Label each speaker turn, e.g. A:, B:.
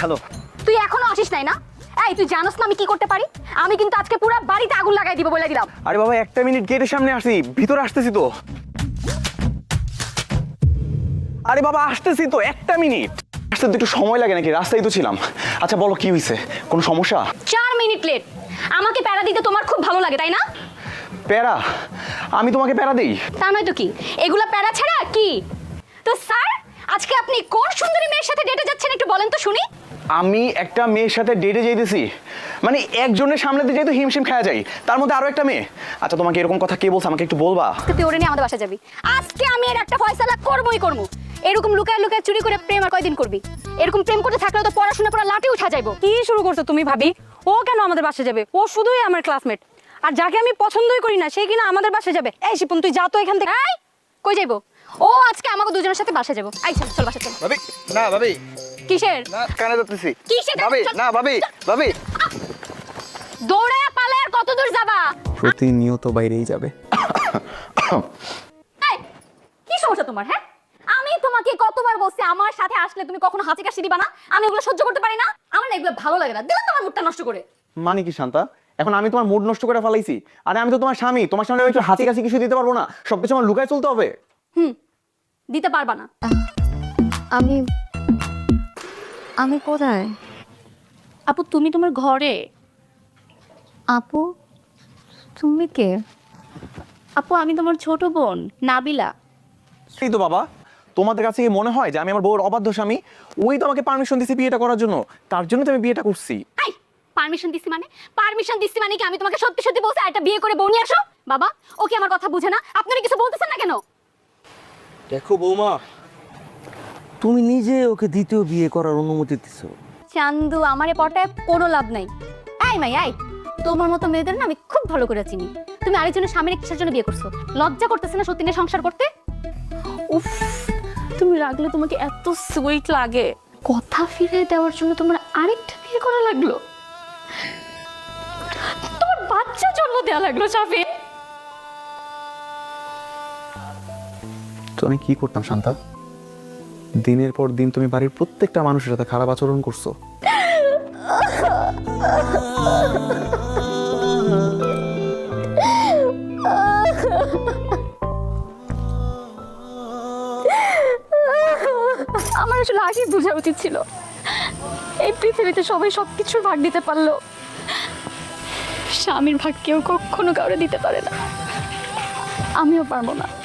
A: Hello.
B: তুই এখনো আসিস নাই না? এই তুই জানোস না আমি কি করতে পারি? আমি কিন্তু আজকে পুরো বাড়িতে আগুন লাগাই দিব বলে দিলাম।
A: আরে বাবা একটা মিনিট, গেটের সামনে আসি, ভিতরে আসতেছি তো। আরে বাবা আসতেছি তো, একটা মিনিট। আসতে তো একটু সময় লাগে নাকি? রাস্তায় তো ছিলাম। আচ্ছা বলো কি হয়েছে, কোনো সমস্যা?
B: 4 মিনিট লেট। আমাকে প্যারা দিতে তোমার খুব ভালো লাগে তাই না?
A: প্যারা? আমি তোমাকে প্যারা দিই?
B: তা নয় তো কি, এগুলা প্যারা ছাড়া কি? তো স্যার আজকে আপনি কোন সুন্দরী মেয়ের সাথে ডেটে যাচ্ছেন একটু বলেন তো শুনি।
A: আমি একটা মেয়ের সাথে ডেটে যাইতেছি, মানে একজনের সামলাতে যেহেতু হিমশিম খাওয়া যায়, তার মধ্যে আরো একটা মেয়ে। আচ্ছা তোমাকে এরকম কথা কে বলছে, আমাকে একটু বলবা?
B: তুই ওরে নিয়ে আমাদের বাসা যাবি। আজকে আমি এর একটা ফয়সালা করবই করব। এরকম লুকায় লুকায় চুরি করে প্রেম আর কয়দিন করবি? এরকম প্রেম করতে থাকলে তো পড়াশোনা পুরো লাঠি উঠা যাইবো।
C: কি শুরু করছো তুমি ভাবি? ও কেন আমাদের বাসায় যাবে? ও শুধুই আমার ক্লাসমেট, আর যাকে আমি পছন্দই করি না সে কিনা আমাদের বাসায় যাবে। এই শিপন তুই যা তো এখান থেকে।
B: এই কই যাইবো? ও আজকে আমাকে দুজনের সাথে বাসা যাবো। আই চল চল বাসা চল।
A: ভাবি না, ভাবি
B: কিসের
A: না, কানে যাচ্ছি।
B: কিসের?
A: ভাবি না, ভাবি ভাবি
B: দৌড়ায়া পালে আর কত দূর যাবা?
A: প্রতিনিয়ত বাইরেই যাবে।
B: এই কি সমস্যা তোমার? হ্যাঁ আমি তোমাকে কতবার বলছি আমার সাথে আসলে তুমি কখনো হাঁচি কাশি দিবা না। আমি এগুলো সহ্য করতে পারি না। আমার না এগুলো ভালো লাগে না। দিলে তোমার মুডটা নষ্ট করে।
A: মানে কি শান্তা, এখন আমি তোমার মুড নষ্ট করে ফেলাইছি? আরে আমি তো তোমার স্বামী, তোমার সামনে আমি একটু হাসি কাশি কিছু দিতে পারবো না? সবকিছু আমার লুকায় চলতে হবে?
B: দিতে পারবা না।
D: আমি আমি কোথায়?
B: আপু তুমি তোমার ঘরে।
D: আপু তুমি কে?
B: আপু আমি তোমার ছোট বোন নাবিলা।
A: সেই তো বাবা, তোমাদের কাছে কি মনে হয় যে আমি আমার বউর অবাধ্য স্বামী? ওই তো আমাকে পারমিশন দিয়েছে বিয়েটা করার জন্য, তার জন্য তো আমি বিয়েটা করছি।
B: এই পারমিশন দিছি মানে? পারমিশন দিছি মানে কি আমি তোমাকে সত্যি সত্যি বলছি একটা বিয়ে করে বউ নিয়ে আসো? বাবা ও কি আমার কথা বুঝে না? আপনারা কিছু বলতেছেন না কেন?
E: দেখো বৌমা, তুমি নিজে ওকে দ্বিতীয় বিয়ে করার অনুমতি দিছো।
B: চান্দু আমারে পটায় কোনো লাভ নাই। এই মাই এই তোমার মতো মেয়েদের না আমি খুব ভালো করে চিনি। তুমি আরেকজনের স্বামীর কিসের জন্য বিয়ে করছো? লজ্জা করতেছে না সত্যি নিয়ে সংসার করতে?
F: উফ তুমি রাখলে তোমাকে এত সুইট লাগে।
B: কথা ফিরে দেওয়ার জন্য তোমার আরেকটা বিয়ে করা লাগলো? তোমার বাচ্চা জন্ম দেওয়া লাগলো চাফি?
A: তো আমি কি করতাম শান্তা? দিনের পর দিন তুমি বাড়ির প্রত্যেকটা মানুষের সাথে খারাপ আচরণ করছো।
F: আমার আসলে আগেই বোঝা উচিত ছিল এই পৃথিবীতে সবাই সবকিছুর ভাগ দিতে পারলো, স্বামীর ভাগ কেউ কখনো কাউরে দিতে পারে না। আমিও পারবো না।